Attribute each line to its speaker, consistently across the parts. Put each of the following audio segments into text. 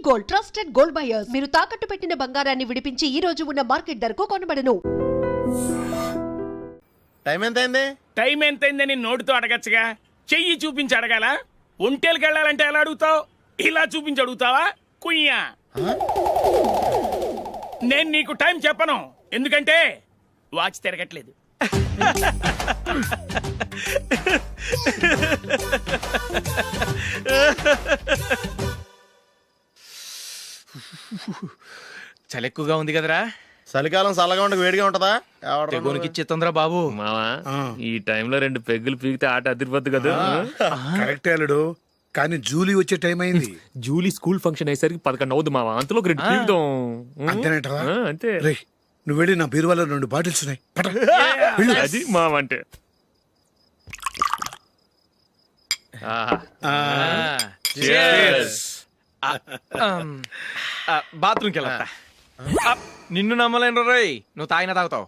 Speaker 1: Gold, trusted gold buyers. మీరు తాకట్టు పెట్టిన బంగారాన్ని విడిపించి ఈ రోజు ఉన్న మార్కెట్ ధరకు కొనబడను.
Speaker 2: టైం ఎంత అయింది?
Speaker 3: టైం ఎంతైందని నోటితో అడగచ్చుగా, చెయ్యి చూపించి అడగాల. ఒంటేలకు వెళ్ళాలంటే ఎలా అడుగుతావు? ఇలా చూపించి అడుగుతావా? కుయ్యా. నేను నీకు టైం చెప్పను, ఎందుకంటే వాచ్ తిరగట్లేదు.
Speaker 4: చలి ఎక్కువగా ఉంది కదరా.
Speaker 2: చలికాలం చల్లగా ఉండక వేడిగా ఉంటదా?
Speaker 4: తెగోనికి ఇచ్చేతుందిరా బాబు.
Speaker 5: మావా ఈ టైంలో 2 పెగ్గులు పీకితే ఆట అదిరిపోద్దు కదా.
Speaker 6: కరెక్టే అల్లుడు, కానీ జూలీ వచ్చే టైం అయింది.
Speaker 5: జూలీ స్కూల్ ఫంక్షన్ అయ్యేసరికి 11 అవుద్ది మావా, అంతలో 2 పీకుదాం.
Speaker 6: అంతేనేటవా?
Speaker 5: అంతే.
Speaker 6: రేయ్, నువ్వు వెళ్ళి నా బీరువాలో 2 బాటిల్స్ ఉన్నాయి, పట.
Speaker 5: అది మావా అంటే.
Speaker 4: బాత్రూమ్కి వెళ్ళా. నిన్ను నమ్మలేను రోయ్, నువ్వు తాగినా తాగుతావు.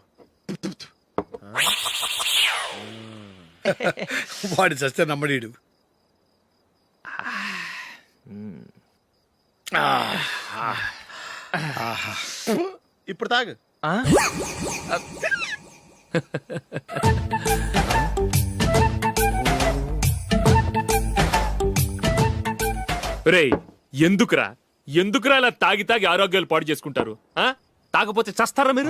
Speaker 6: వాడి చస్తే నమ్మడీడు.
Speaker 2: ఇప్పుడు తాగు.
Speaker 5: రేయ్, ఎందుకురా ఇలా తాగి తాగి ఆరోగ్యాలు పాడు చేసుకుంటారు? తాగపోతే చస్తారా మీరు?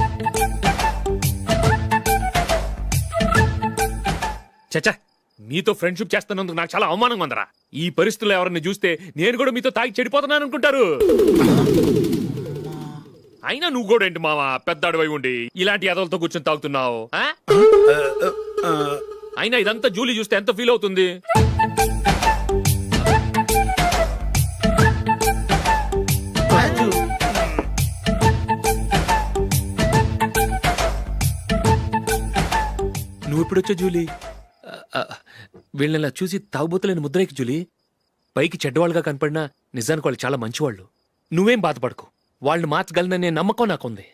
Speaker 5: చచ్చా, మీతో ఫ్రెండ్షిప్ చేస్తున్నందుకు నాకు చాలా అవమానంగా ఉందరా. ఈ పరిస్థితుల్లో ఎవరిని చూస్తే నేను కూడా మీతో తాగి చెడిపోతున్నాను అనుకుంటారు. అయినా నువ్వు కూడా ఏంటి మావా, పెద్ద అడవై ఉండి ఇలాంటి ఎదలతో కూర్చొని తాగుతున్నావు? అయినా ఇదంతా జూలీ చూస్తే ఎంత ఫీల్ అవుతుంది? నువ్వు ఎప్పుడొచ్చా జూలీ? వీళ్ళని ఇలా చూసి తాగుబోతులేని ముద్రేకి జూలీ. పైకి చెడ్డవాళ్ళుగా కనపడినా నిజానికి వాళ్ళు చాలా మంచివాళ్ళు. నువ్వేం బాధపడకు, వాళ్ళని మార్చగలననే నమ్మకం నాకుంది.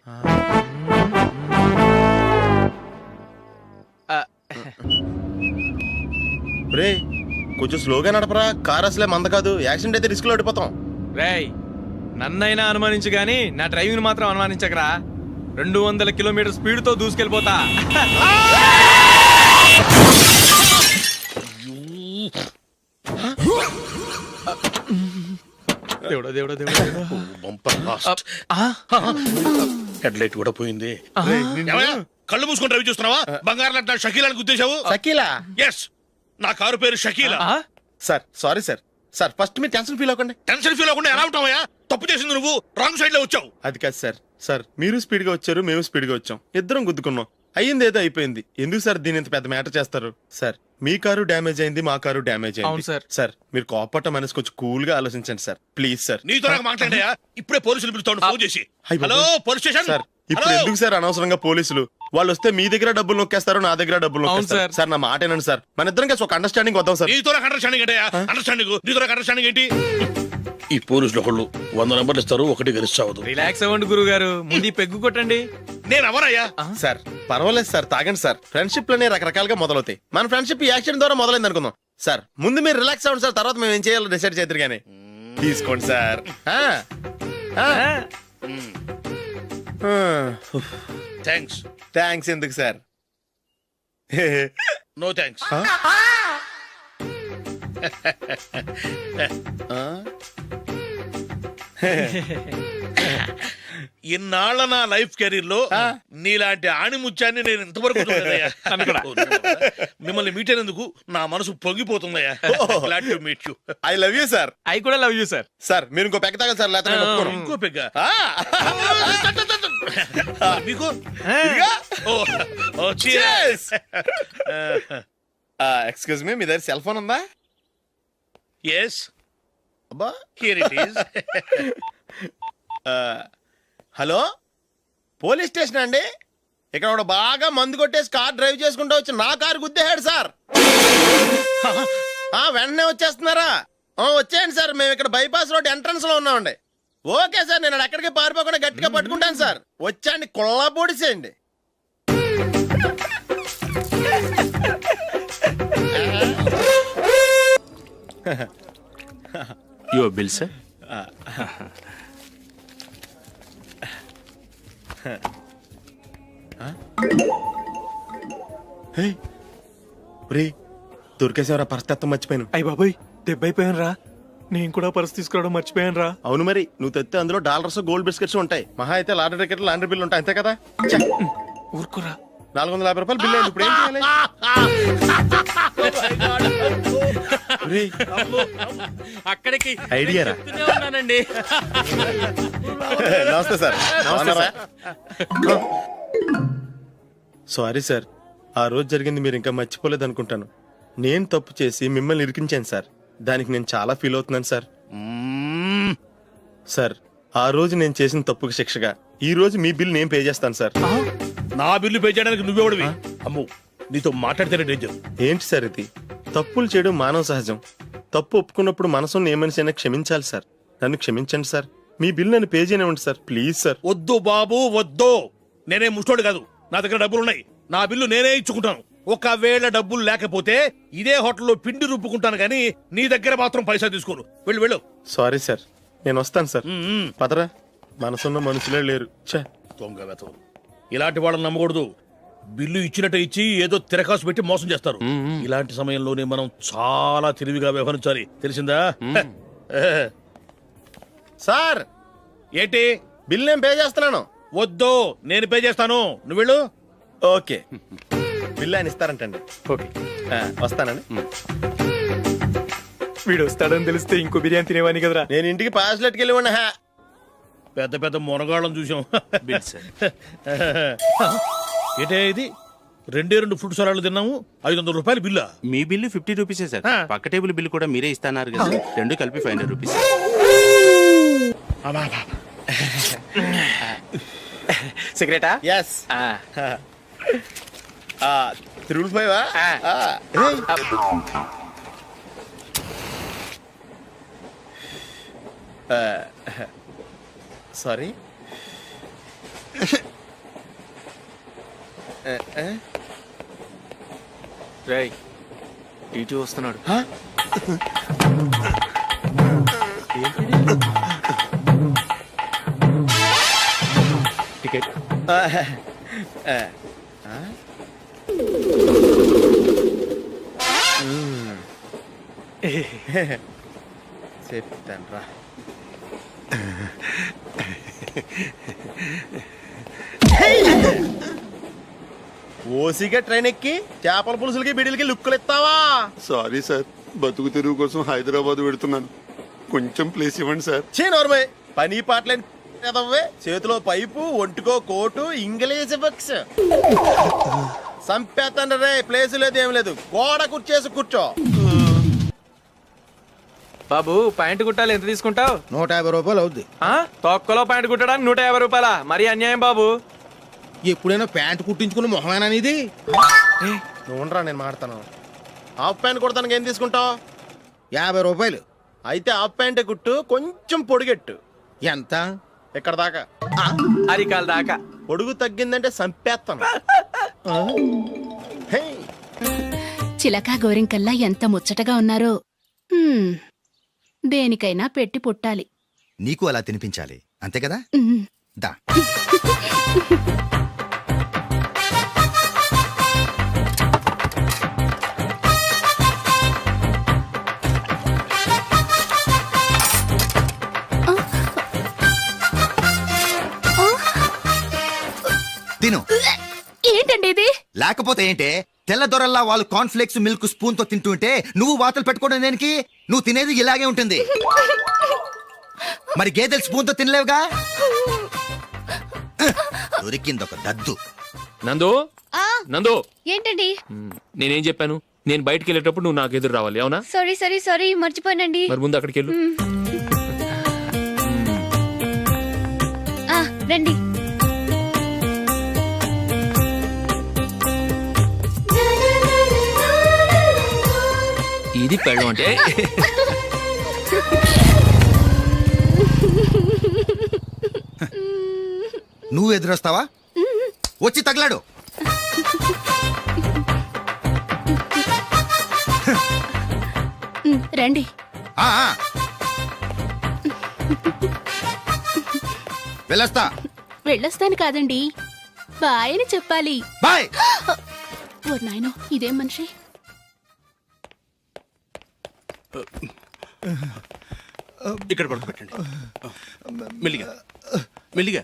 Speaker 2: రే, కొంచెం స్లోగా నడపరా, కార్ అసలే మంద కాదు. యాక్సిడెంట్ అయితే రిస్క్ లో ఓడిపోతాం.
Speaker 4: రేయ్, నన్నైనా అనుమానించు గాని నా డ్రైవింగ్ మాత్రం అనుమానించకరా. 200 కిలోమీటర్ స్పీడ్ తో దూసుకెళ్ళిపోతా. దేవుడా దేవుడా దేవుడా.
Speaker 6: హెడ్ లైట్ కూడా పోయింది.
Speaker 7: కళ్ళు మూసుకొని రవి చూస్తున్నావా? బంగారం లాంటి షకీలాని గుద్దేశావు.
Speaker 2: షకీలా?
Speaker 7: ఎస్, నా కారు పేరు Shakeela.
Speaker 2: Sir sorry sir. Sir first మీరు టెన్షన్ ఫీల్ అవ్వకండి.
Speaker 7: టెన్షన్ ఫీల్ అవ్వకుండా ఎలా ఉంటావా? తప్పు చేసింది నువ్వు, రాంగ్ సైడ్ లో వచ్చావు.
Speaker 2: అది కాదు సార్. సార్ మీరు స్పీడ్ గా వచ్చారు, మేము స్పీడ్ గా వచ్చాం, ఇద్దరం గుద్దుకున్నాం. అయ్యింది ఏదో అయిపోయింది. ఎందుకు సార్ దీని ఇంత పెద్ద మ్యాటర్ చేస్తారు? సార్ మీ కారు డ్యామేజ్ అయింది, మా కారు డ్యామేజ్
Speaker 4: అవును
Speaker 2: అయింది.
Speaker 4: సార్.
Speaker 2: సార్ మీరు కోపట్ట మనసు కొంచెం కూల్ గా ఆలోచించండి సార్, ప్లీజ్ సార్.
Speaker 7: నీతో నాకు మాట్లాడాయా? ఇప్పుడే పోలీసులు పిలుస్తాను, ఫోన్ చేసి.
Speaker 2: అయ్ బాబోయ్.
Speaker 7: Hello police station.
Speaker 2: సార్ ఇప్పుడు ఎందుకు సార్ అనవసరంగా పోలీసులు? వాళ్ళు వస్తే మీ దగ్గర డబ్బులు నొక్కేస్తారు, నా దగ్గర డబ్బులు
Speaker 4: అవును
Speaker 2: నొక్కేస్తారు.
Speaker 4: సార్.
Speaker 2: సార్ నా మాట ఏనండి సార్, మన ఇద్దరం కలిసి ఒక అండర్స్టాండింగ్ వద్దాం సార్.
Speaker 7: నీతో నాకు అండర్స్టాండింగ్ ఏంటయ్యా? అండర్స్టాండింగ్ నీతో నాకు అండర్స్టాండింగ్ ఏంటి? ఈ పోలీసులు ఒకళ్ళు 100 నెంబర్లు ఇస్తారు, ఒకటి గెలిస్తావదు.
Speaker 4: రిలాక్స్ అవ్వండి గురువు గారు, ముందు ఈ పెగ్గు కొట్టండి.
Speaker 7: నేను ఎవరయ్యా?
Speaker 2: సార్ పర్వాలేదు సార్, తాగండి సార్. ఫ్రెండ్షిప్ లోనే రకరకాలుగా మొదలవుతాయి. మన ఫ్రెండ్షిప్ ఈ యాక్సిడెంట్ ద్వారా మొదలైంది అనుకుందాం. సార్ ముందు మీరు రిలాక్స్ అవ్వండి సార్, తర్వాత మేము ఏం చేయాలో డిసైడ్ చేద్దరు గానీ. తీసుకోండి సార్.
Speaker 7: థ్యాంక్స్.
Speaker 2: థ్యాంక్స్ ఎందుకు సార్?
Speaker 7: No thanks. ఇన్నాళ్ళ నా లైఫ్ కెరీర్ లో నీలాంటి ఆణిముత్యాన్ని నేను ఇంతవరకు చూడలేదయ్యా. మిమ్మల్ని మీట్ అయినందుకు నా మనసు పొంగిపోతుందయ్యా. Glad to meet you.
Speaker 2: I love you sir.
Speaker 4: I కూడా లవ్ యూ సార్.
Speaker 2: సార్ మీరు ఇంకో పెక్క తాగాలి సార్, లేకపోతే నేను ఒప్పుకోను.
Speaker 7: ఇంకో పెగ్గ మీకు?
Speaker 2: ఎక్స్క్యూజ్ మీ, మీ దగ్గర సెల్ ఫోన్ ఉందా?
Speaker 7: ఎస్,
Speaker 2: అబ్బా
Speaker 7: here it is.
Speaker 2: Hello, police station అండి. ఇక్కడ ఒకడు బాగా మందు కొట్టేసి కార్ డ్రైవ్ చేసుకుంటూ వచ్చి నా కారు గుద్దేశాడు సార్. వెంటనే వచ్చేస్తున్నారా? వచ్చేయండి సార్, మేము ఇక్కడ బైపాస్ రోడ్ ఎంట్రన్స్ లో ఉన్నామండి. ఓకే సార్, నేను ఎక్కడికి పారిపోకుండా గట్టిగా పట్టుకుంటాను సార్. వచ్చాండి, కుళ్ళ పొడిసేయండి.
Speaker 5: Your bill sir.
Speaker 2: దొరికేసేవరా పరిస్థితి మర్చిపోయాను.
Speaker 4: అయ్య బాబాయ్ దెబ్బైపోయాను రా. నేను కూడా పర్స్ తీసుకురావడం మర్చిపోయాను రా.
Speaker 2: అవును మరి, నువ్వు తెస్తే అందులో డాలర్స్ గోల్డ్ బిస్కెట్స్ ఉంటాయి. మహా అయితే లాటరీ టికెట్ లాండ్రీ బిల్లు ఉంటాయి, అంతే కదా.
Speaker 4: ఊరుకోరా.
Speaker 2: 450 రూపాయలు బిల్లు అయింది. ఇప్పుడు ఏం చేయాలి? ఒరేయ్,
Speaker 4: అక్కడికి
Speaker 2: ఐడియా రా.
Speaker 4: చెప్తూనే ఉన్నానండి.
Speaker 2: నమస్తే సార్.
Speaker 4: నమస్తే సార్.
Speaker 2: సారీ సార్, ఆ రోజు జరిగింది మీరు ఇంకా మర్చిపోలేదు అనుకుంటాను. నేను తప్పు చేసి మిమ్మల్ని ఇరికించాను సార్. దానికి నేను చాలా ఫీల్ అవుతున్నాను సార్. సార్, ఆ రోజు నేను చేసిన తప్పుకి శిక్షగా ఈ రోజు మీ బిల్ నేను పే చేస్తాను సార్.
Speaker 7: నా బిల్లు పే చేయడానికి నువ్వెవడివి? అమ్ము, నీతో మాట్లాడితేనే డేంజర్.
Speaker 2: ఏంటి సార్ ఇది? తప్పులు చేయడం మానవ సహజం. తప్పు ఒప్పుకున్నప్పుడు మనసును ఏ మనిషి అయినా క్షమించాలి సార్. నన్ను క్షమించండి సార్. మీ బిల్ నన్ను పే చేయనివ్వండి సార్, ప్లీజ్ సార్.
Speaker 7: వద్దు బాబు వద్దు. నేనే ముష్టోడు కాదు, నా దగ్గర డబ్బులు ఉన్నాయి. నా బిల్లు నేనే ఇచ్చుకుంటాను. ఒకవేళ డబ్బులు లేకపోతే ఇదే హోటల్లో పిండి రుబ్బుకుంటాను కానీ నీ దగ్గర మాత్రం పైసా తీసుకోను. వెళ్ళు వెళ్ళు.
Speaker 2: సారీ సార్, నేను వస్తాను సార్. పదరా, మనసున్న మనుషులే లేరు. ఛే,
Speaker 7: దొంగ వెతవు. ఇలాంటి వాళ్ళని నమ్మకూడదు. బిల్లు ఇచ్చినట్టు ఇచ్చి ఏదో తిరకాసు పెట్టి మోసం చేస్తారు. ఇలాంటి సమయంలోనే మనం చాలా తెలివిగా వ్యవహరించాలి, తెలిసిందా?
Speaker 2: సార్
Speaker 7: ఏంటి?
Speaker 2: బిల్ నేను పే చేస్తున్నాను.
Speaker 7: వద్దు, నేను పే చేస్తాను. నువ్వు వెళ్ళు.
Speaker 2: ఓకే, బిల్ ఆయన ఇస్తారంటండి.
Speaker 4: ఓకే.
Speaker 2: వస్తానండి.
Speaker 4: వీడు వస్తాడని తెలిస్తే ఇంకో బిర్యానీ తినేవాని కదరా.
Speaker 2: నేను ఇంటికి పాస్లెట్కి వెళ్ళి ఉన్నా.
Speaker 7: పెద్ద పెద్ద మునగాళ్ళం చూసాం. ఏంటే ఇది? 2 ఫ్రూట్ సలాడ్లు తిన్నాము, 500 రూపాయలు బిల్లా?
Speaker 8: మీ బిల్లు 50 రూపీసే సార్. పక్క టేబుల్ బిల్లు కూడా మీరే ఇస్తాన్నారు కదా. రెండు కలిపి 500 రూపీస్.
Speaker 5: సిగరెటా?
Speaker 2: ఎస్. 355 సారీ.
Speaker 5: రేయ్, టీటీ వస్తున్నాడు. టికెట్.
Speaker 2: చెప్తాను రా. ఓసిగా ట్రైన్ ఎక్కి చేపల పులుసులకి బిడిలకి లుక్కులు ఇస్తావా?
Speaker 9: సారీ సార్, బతుకు తెరువు కోసం హైదరాబాద్ పెడుతున్నాను. కొంచెం ప్లేస్ ఇవ్వండి సార్.
Speaker 2: నోర్మై, పని పాటలేని కదవ్వే. చేతిలో పైపు, ఒంటికో కోటు, ఇంగ్లీష్ బుక్స్. సంపేతండ్రి రే, ప్లేస్ లేదు ఏం లేదు. గోడ కుర్చేసి కూర్చో.
Speaker 4: బాబు ప్యాంటు కుట్టాలి, ఎంత తీసుకుంటావు?
Speaker 10: 150 రూపాయలు అవుద్ది.
Speaker 4: తొక్కలో ప్యాంటు కుట్టడానికి 150 రూపాయల? మరి అన్యాయం బాబు.
Speaker 10: ఎప్పుడైనా ప్యాంట్ కుట్టించుకున్న మొహమేనా ఇది?
Speaker 2: నువ్వురా, నేను మాడతాను. హాఫ్ ప్యాంట్ కుడతానికి ఏం తీసుకుంటావు?
Speaker 10: 50 రూపాయలు.
Speaker 2: అయితే హాఫ్ ప్యాంటే కుట్టు, కొంచెం పొడిగెట్టు.
Speaker 10: ఎంత?
Speaker 2: ఇక్కడ దాకా.
Speaker 4: అరికాల దాకా.
Speaker 2: పొడుగు తగ్గిందంటే సంపేస్తాను. హే,
Speaker 11: చిలకా గోరింకల్లా ఎంత ముచ్చటగా ఉన్నారో. దేనికైనా పెట్టి పుట్టాలి.
Speaker 10: నీకు అలా తినిపించాలి, అంతే కదా? దా. తిను.
Speaker 11: ఏంటండి ఇది?
Speaker 10: లేకపోతే ఏంటే? తెల్లదొరల్లా వాళ్ళు కార్న్ఫ్లేక్స్ మిల్క్ స్పూన్ తో తింటుంటే నువ్వు వాతలు పెట్టుకోవడం దేనికి? నువ్వు తినేది ఇలాగే ఉంటుంది. మరి గేదెలు స్పూన్ తో తినలేవుగా. దొరికిందొక దద్దు.
Speaker 5: నందు, నందు,
Speaker 11: ఏంటండి?
Speaker 5: నేనేం చెప్పాను? నేను బయటికి వెళ్ళేటప్పుడు నువ్వు నాకు ఎదురు రావాలి, అవునా?
Speaker 11: సారీ మర్చిపోయానండి.
Speaker 5: మరి ముందు అక్కడికి వెళ్ళు.
Speaker 11: రండి.
Speaker 5: ఇది పెళ్ళం అంటే.
Speaker 10: నువ్వు ఎదురొస్తావా? వచ్చి తగలాడు.
Speaker 11: రండి.
Speaker 10: ఆ, ఆ. వెళ్ళొస్తా.
Speaker 11: వెళ్ళొస్తాను కాదండి, బాయ్ అని చెప్పాలి.
Speaker 10: బాయ్.
Speaker 11: ఓ నాయనో, ఇదేం మనిషి.
Speaker 8: ఇక్కడ పడుకోబెట్టండి. మెల్లిగా మెల్లిగా.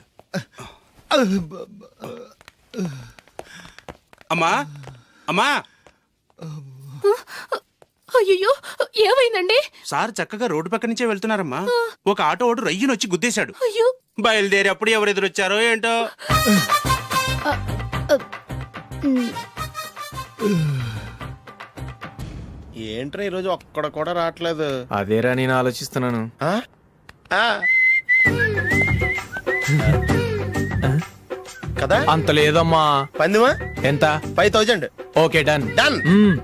Speaker 8: అమ్మా అమ్మా,
Speaker 11: అయ్యో, ఏమైందండి?
Speaker 8: సార్ చక్కగా రోడ్డు పక్క నుంచే వెళ్తున్నారమ్మా. ఒక ఆటో ఓడు రయ్యను వచ్చి గుద్దేశాడు.
Speaker 11: అయ్యో,
Speaker 8: బయలుదేరి అప్పుడు ఎవరు ఎదురొచ్చారో ఏంటో.
Speaker 2: ఏంట్రా ఈరోజు ఒక్కడ కూడా రావట్లేదు.
Speaker 4: అదేరా నేను ఆలోచిస్తున్నాను.
Speaker 2: ఆ? ఆ. కదా
Speaker 4: అంత లేదమ్మా.
Speaker 2: పందిమా
Speaker 4: ఎంత?
Speaker 2: 5000.
Speaker 4: Okay done.
Speaker 2: డన్.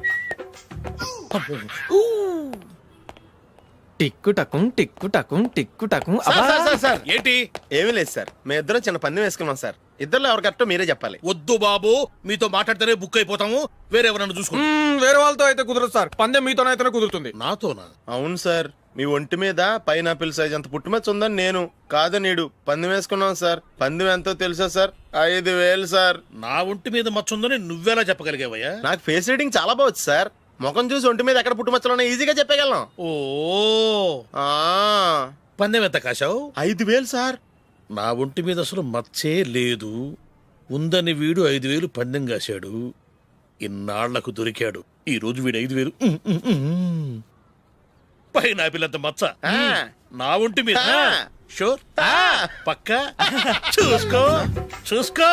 Speaker 4: టిక్కు టకుం టిక్కు టకుం టిక్కు టకుం.
Speaker 2: సార్
Speaker 7: ఏంటి?
Speaker 2: ఏమీ లేదు సార్, మేము ఇద్దరం చిన్న పందెం వేసుకున్నాం సార్. ఇద్దరు ఎవరు కరెక్టో మీరే చెప్పాలి.
Speaker 7: వద్దు బాబు, మీతో మాట్లాడితేనే బుక్ అయిపోతాము. వేరెవరన్నా చూసుకోండి.
Speaker 4: వేరే వాళ్ళతో అయితే కుదరదు సార్, పందెం మీతోనైతేనే కుదురుతుంది.
Speaker 7: నాతోనా?
Speaker 2: అవును సార్, మీ ఒంటి మీద పైనాపిల్ సైజ్ అంత పుట్టుమచ్చ ఉందని నేను కాదు నీడు పందెం వేసుకున్నాం సార్. పందెం ఎంతో తెలుసా సార్? 5000 సార్.
Speaker 7: నా ఒంటి మీద మచ్చ ఉందని నువ్వెలా చెప్పగలిగావయ్యా?
Speaker 2: నాకు ఫేస్ రీడింగ్ చాలా బాగుంది సార్. ముఖం చూసి ఒంటి మీద ఎక్కడ పుట్టుమచ్చలో ఈజీగా చెప్పగలను.
Speaker 7: ఓ,
Speaker 2: ఆ,
Speaker 7: పందెం ఎంత కాశావు?
Speaker 2: 5000 సార్.
Speaker 7: నా ఒంటి మీద అసలు మచ్చే లేదు. ఉందని వీడు 5000 పందెం కాశాడు. ఇన్నాళ్లకు దొరికాడు. ఈ రోజు వీడు 5000. పైన పిల్లంత మచ్చ
Speaker 2: ఆ.
Speaker 7: నా ఒంటి మీద.
Speaker 2: ఆ.
Speaker 7: షూర్?
Speaker 2: ఆ.
Speaker 7: పక్క చూసుకో చూసుకో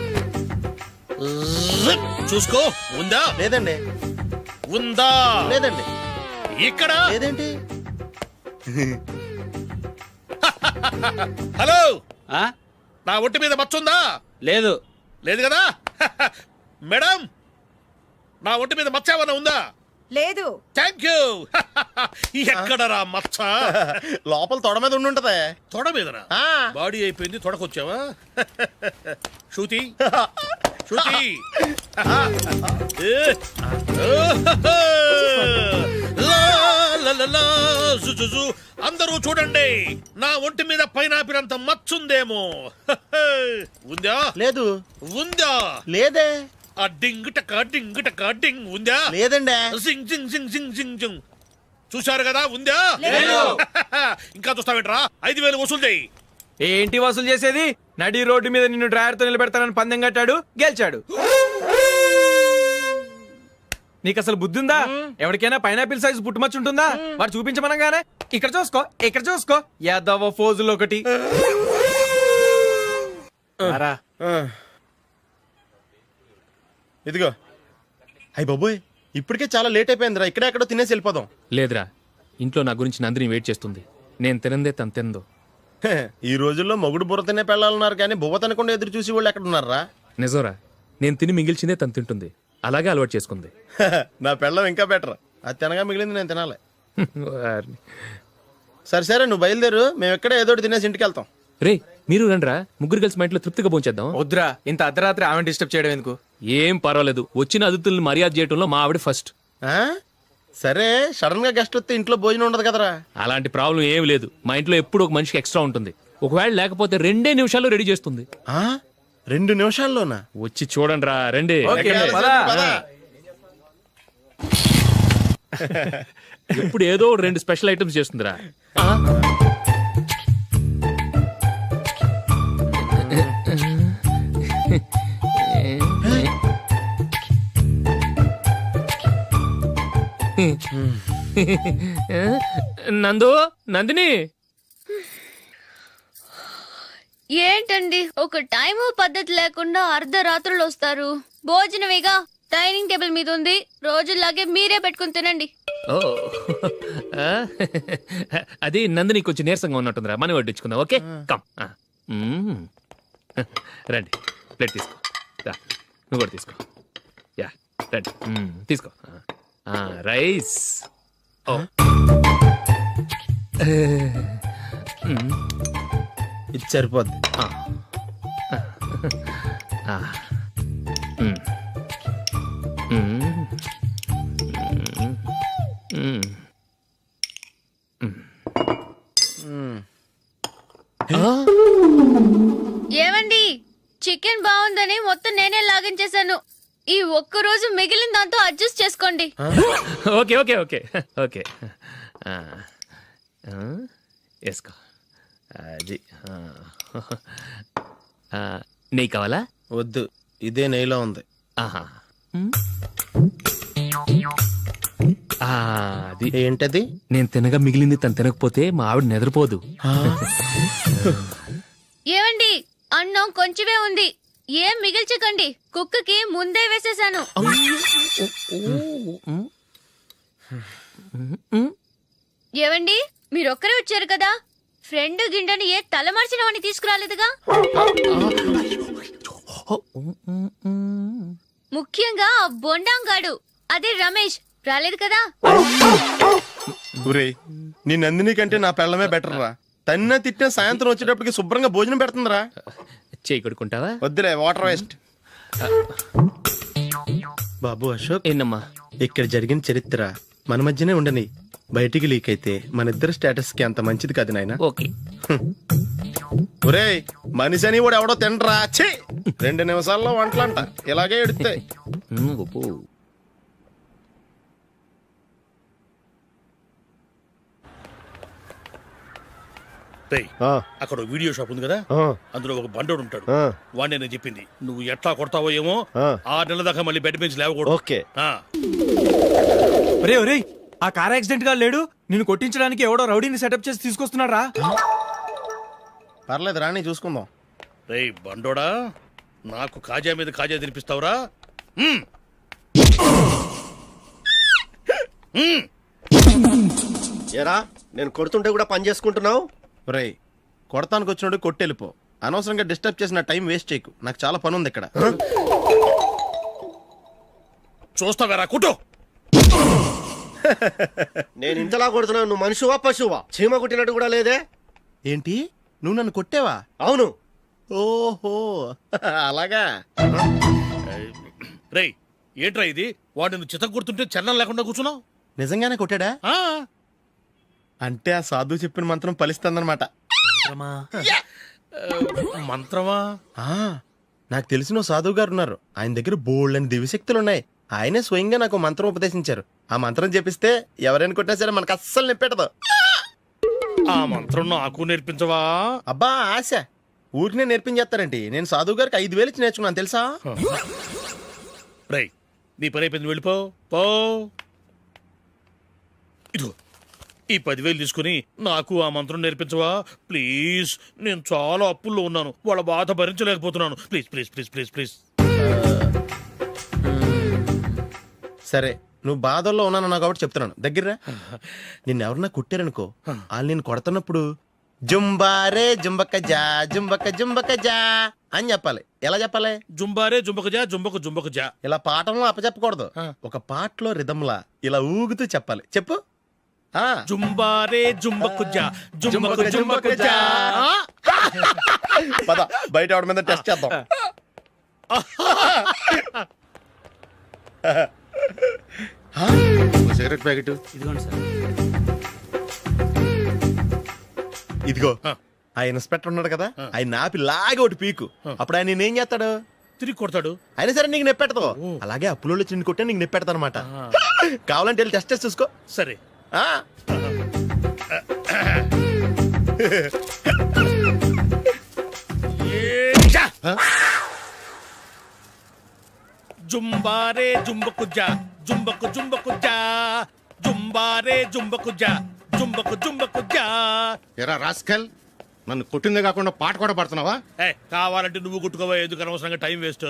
Speaker 7: జిప్. చూసుకో. ఉందా?
Speaker 2: లేదండి.
Speaker 7: ఉందా?
Speaker 2: లేదండి.
Speaker 7: ఇక్కడ
Speaker 2: లేదేంటి?
Speaker 7: హలో, నా ఒంటి మీద మచ్చ ఉందా?
Speaker 4: లేదు.
Speaker 7: లేదు కదా? మేడం, నా ఒంటి మీద మచ్చ ఏమన్నా ఉందా?
Speaker 1: లేదు.
Speaker 7: Thank you. ఎక్కడరా మచ్చ?
Speaker 2: లోపల తొడ మీద ఉండుంటదే.
Speaker 7: తొడ మీదనా?
Speaker 2: ఆ.
Speaker 7: బాడీ అయిపోయింది, తొడకొచ్చావా? శృతి శృతి. అందరూ చూడండి, నా ఒంటి మీద పైనాపిల్ అంత మచ్చుందేమో. ఉందా?
Speaker 2: లేదు.
Speaker 7: ఉందా?
Speaker 2: లేదే.
Speaker 7: ఆ డింగ్ టక డింగ్ టక డింగ్ ఉందా?
Speaker 2: లేదండి.
Speaker 7: జింగ్ జింగ్ జింగ్ జింగ్ జింగ్ జింగ్. చూశారు కదా? ఉందా? ఇంకా చూస్తావేంట్రా? 5000 వసూలు చేయి.
Speaker 4: ఏంటి వసూలు చేసేది? నడి రోడ్డు మీద నిన్ను డ్రైవర్ తో నిలబెడతానని పందెం కట్టాడు, గెలిచాడు. నీకు అసలు బుద్ధి ఉందా? ఎవరికైనా పైనాపిల్ సైజ్ పుట్టుమచ్చు ఉంటుందా? వాడు చూపించమనగానే ఇక్కడ చూసుకో, ఇక్కడ చూసుకో, యాదవ ఫోజులు ఒకటి. రా.
Speaker 2: ఇదిగో. అయ్య బాబోయ్, ఇప్పటికే చాలా లేట్ అయిపోయిందిరా. ఇక్కడే ఎక్కడో తినేసి వెళ్ళిపోదాం.
Speaker 5: లేదురా, ఇంట్లో నా గురించి నందిని వెయిట్ చేస్తుంది. నేను తినందే తను తిందో.
Speaker 2: హే, ఈ రోజుల్లో మొగుడు బుర్ర తినే పెళ్ళాలన్నారు కానీ బువ్వ తినకుండా ఎదురు చూసి వాళ్ళు ఎక్కడ ఉన్నారా?
Speaker 5: నిజంరా, నేను తిని మిగిల్చిందే తను తింటుంది. అలాగే అలవాటు చేసుకుంది.
Speaker 2: నా పెళ్ళం ఇంకా బెటర్. అది తినగా మిగిలింది నేను తినాలి.
Speaker 5: వారిని.
Speaker 2: సరే సరే, నువ్వు బయలుదేరు. మేము ఎక్కడ ఏదో ఒకటి తినేసి ఇంటికి వెళ్తాం.
Speaker 5: రే, మీరు రండ్రా, ముగ్గురు కలిసి మా ఇంట్లో తృప్తిగా పోంచేద్దాం.
Speaker 4: వద్దురా, ఇంత అర్ధరాత్రి ఆమె డిస్టర్బ్ చేయడం ఎందుకు?
Speaker 5: ఏం పర్వాలేదు, వచ్చిన అతిథుల్ని మర్యాద చేయడంలో మా ఆవిడ ఫస్ట్.
Speaker 2: ఆ? సరే, సడన్ గా గెస్ట్ వస్తే ఇంట్లో భోజనం ఉండదు కదరా.
Speaker 5: అలాంటి ప్రాబ్లం ఏం లేదు. మా ఇంట్లో ఎప్పుడు ఒక మనిషికి ఎక్స్ట్రా ఉంటుంది. ఒకవేళ లేకపోతే 2 నిమిషాల్లో రెడీ చేస్తుంది.
Speaker 2: ఆ? 2 నిమిషాల్లోనా?
Speaker 5: వచ్చి చూడండి రా, రండి.
Speaker 4: ఓకే,
Speaker 2: ఎక్కడ?
Speaker 4: పద.
Speaker 2: పద.
Speaker 5: ఎప్పుడు ఏదో 2 స్పెషల్ ఐటమ్స్ చేస్తుందిరా. నందు, నందిని.
Speaker 11: ఏంటండి, ఒక టైము పద్ధతి లేకుండా అర్ధరాత్రులు వస్తారు. భోజనమేగా డైనింగ్ టేబుల్ మీద ఉంది. రోజుల్లాగే మీరే పెట్టుకుని తినండి.
Speaker 5: ఓ, అది నందిని కొంచెం నీరసంగా ఉన్నట్టుందిరా. మనీ వడ్డించుకుందాం. Okay, come. రండి, ప్లేట్ తీసుకో. రా, నువ్వు కూడా తీసుకో. యా, రండి, తీసుకో. రైస్. ఓ,
Speaker 2: ఇది సరిపోద్ది.
Speaker 11: ఏమండి చికెన్ బాగుందని మొత్తం నేనే లాగించేశాను. ఈ ఒక్క రోజు మిగిలిన దాంతో అడ్జస్ట్ చేసుకోండి.
Speaker 5: ఓకే ఓకే ఓకే ఓకే వేసుకో అది నెయ్యి కావాలా?
Speaker 2: వద్దు, ఇదే నెయ్యిలో ఉంది.
Speaker 5: ఆహా అది
Speaker 2: ఏంటది?
Speaker 5: నేను తినగా మిగిలింది తను తినకపోతే మా ఆవిడ నిద్రపోదు.
Speaker 11: ఏమండి అన్నం కొంచెమే ఉంది, ఏం మిగిల్చకండి. కుక్కకి ముందే వేసేసాను. ఏవండి మీరొక్కరే వచ్చారు కదా, ఫ్రెండ్ గిండెని ఏ తలమార్చిన వాడిని తీసుకురాలేదుగా? ముఖ్యంగా ఆ బొండాంగాడు అదే రమేష్ రాలేదు కదా?
Speaker 2: ఊరే, నీ నందిని కంటే నా పెళ్ళమే బెటర్ రా. తన్న తిట్టిన సాయంత్రం వచ్చేటప్పటికి శుభ్రంగా భోజనం పెడుతుందిరా.
Speaker 5: చేయి కొడుకుంటావా?
Speaker 2: వద్దులే, వాటర్ వేస్ట్. బాబు అశోక్,
Speaker 5: ఏంటమ్మా?
Speaker 2: ఇక్కడ జరిగిన చరిత్ర మన మధ్యనే ఉండని, బయటికి లీక్ అయితే మన ఇద్దరు స్టేటస్ కి అంత మంచిది కాదు నాయన.
Speaker 5: ఓకే.
Speaker 2: ఒరే, మనిషి అని కూడా ఎవడో తినరా. ఛీ, 2 నిమిషాల్లో వంటలంట ఇలాగే ఎడితే.
Speaker 7: రేయ్, అక్కడ ఓ వీడియో షాప్ ఉంది కదా, అందులో ఒక బండోడు ఉంటాడు. వాడిని నేను చెప్పింది నువ్వు ఎట్లా కొడతావో ఏమో, 6 నెలల దాకా మళ్ళీ బెడ్ బెంచ్ లేవకూడదు.
Speaker 2: ఓకే.
Speaker 4: ఒరే ఒరే, ఆ కార్ యాక్సిడెంట్ గా లేడు, నిన్ను కొట్టించడానికి ఎవడో రౌడీని సెటప్ చేసి తీసుకొస్తున్నాడు రా.
Speaker 2: పర్లేదు రాని, చూసుకుందాం.
Speaker 7: రేయ్ బండోడా, నాకు కాజా మీద కాజా తినిపిస్తావురా?
Speaker 9: ఏరా, నేను కొడుతుంటే కూడా పని చేసుకుంటున్నావు?
Speaker 2: ఒరేయ్, కొడతానికి వచ్చినోడు కొట్టెళ్ళిపో. అనవసరంగా డిస్టర్బ్ చేసిన టైం వేస్ట్ చేయకు, నాకు చాలా పని ఉంది ఇక్కడ.
Speaker 7: చూస్తావేరా కుట్టు.
Speaker 9: నేను ఇంతలా కొడుతున్నావు, నువ్వు మనిషివా పశువా? చీమ కుట్టినట్టు కూడా లేదే.
Speaker 2: ఏంటి, నువ్వు నన్ను కొట్టేవా?
Speaker 9: అవును.
Speaker 2: ఓహో అలాగా.
Speaker 7: రేయ్ ఏంట్రా ఇది, వాడు నువ్వు చిత్త కొడుతుంటే చలనం లేకుండా కూర్చున్నావు?
Speaker 2: నిజంగానే కొట్టాడా? అంటే ఆ సాధువు చెప్పిన మంత్రం ఫలిస్తుందన్నమాట.
Speaker 7: మంత్రమా?
Speaker 2: నాకు తెలిసిన ఓ సాధువు గారు ఉన్నారు, ఆయన దగ్గర బోల్డని దివ్యశక్తులు ఉన్నాయి. ఆయనే స్వయంగా నాకు మంత్రం ఉపదేశించారు. ఆ మంత్రం చెప్పిస్తే ఎవరైనా కొట్టినా సరే మనకు అస్సలు నిప్పెట్టదు.
Speaker 7: ఆ మంత్రం నాకు నేర్పించవా?
Speaker 2: అబ్బా ఆశ, ఊరినే నేర్పించేస్తారండి. నేను సాధువు గారికి 5,000 ఇచ్చి నేర్చుకున్నాను తెలుసా?
Speaker 7: రేయ్ నీ పని అయిపోయింది, వెళ్ళిపో పో. ఇదిగో ఈ 10,000 తీసుకుని నాకు ఆ మంత్రం నేర్పించవా ప్లీజ్? నేను చాలా అప్పుల్లో ఉన్నాను, వాళ్ళ బాధ భరించలేకపోతున్నాను. Please please please please please.
Speaker 2: సరే, నువ్వు బాధల్లో ఉన్నాను నాకు కాబట్టి చెప్తున్నాను. దగ్గర నిన్నెవరన్నా కుట్టారనుకో, వాళ్ళు నేను కొడుతున్నప్పుడు జుంబారే జుంబక జా జుంబక జుంబక జా అని చెప్పాలి. ఎలా చెప్పాలి?
Speaker 7: జుంబారే జుంబక జా జుంబకు జుంబకు జా.
Speaker 2: ఇలా పాఠంలో అప్పచెప్పకూడదు, ఒక పాటలో రిధంలా ఇలా ఊగుతూ చెప్పాలి. చెప్పు.
Speaker 7: జుంబారే జుంబకు జా జుంబకు జుంబకు జా.
Speaker 2: పద బయట ఆవిడ మీద టెస్ట్ చేద్దాం.
Speaker 9: సిగరెట్ ప్యాకెట్
Speaker 2: ఇదిగో. ఆ ఇన్స్పెక్టర్ ఉన్నాడు కదా, ఆయన ఆపి లాగే ఒకటి పీకు. అప్పుడు ఆయన నేనేం చేస్తాడు?
Speaker 7: తిరిగి కొడతాడు.
Speaker 2: అయినా సరే నీకు నెప్పెడతావు. అలాగే అప్పులో చిన్న కొట్టే నీకు నెప్పెడతా అనమాట. కావాలంటే వెళ్ళి టెస్ట్ చేసి చూసుకో.
Speaker 7: సరే. జుంబారే జుంబకు జా జుంబకు జుంబకు జా జుంబారే జుంబకు జా జుంబకు జుంబకు జా.
Speaker 9: ఎరా రాస్కల్, నన్ను కొట్టిందే కాకుండా పాట కూడా పడుతున్నావా?
Speaker 7: కావాలంటే నువ్వు కొట్టుకోవా, ఎందుకు అనవసరంగా టైం వేస్ట్.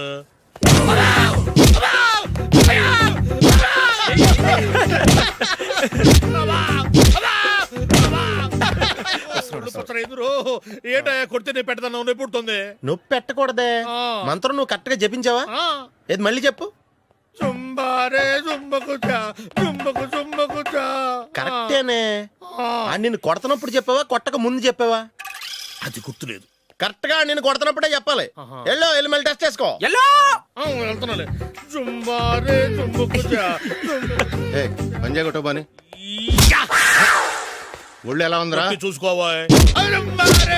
Speaker 7: ఏంటో కొడితే నేను పెడతాను, నొప్పి పుడుతుంది.
Speaker 2: నొప్పి పెట్టకూడదే, మంత్రం నువ్వు కరెక్ట్ గా జపించావా? ఏది మళ్ళీ చెప్పు.
Speaker 7: జుంబారే జుంబకు జా జుంబకు జుంబకు జా.
Speaker 2: కరెక్టేనే. నిన్ను కొడుతున్నప్పుడు చెప్పావా, కొట్టక ముందు చెప్పావా?
Speaker 7: అది గుర్తులేదు.
Speaker 2: కరెక్ట్ గా నేను కొడుతున్నప్పుడే చెప్పాలి. వెళ్ళి మళ్ళీ టెస్ట్ చేసుకో.
Speaker 7: వెళ్తున్నాలే. జుంబారే జుంబకు జా.
Speaker 9: పంజా కొట్టబాని ఒళ్ళు ఎలా ఉందిరా
Speaker 7: చూసుకోవా.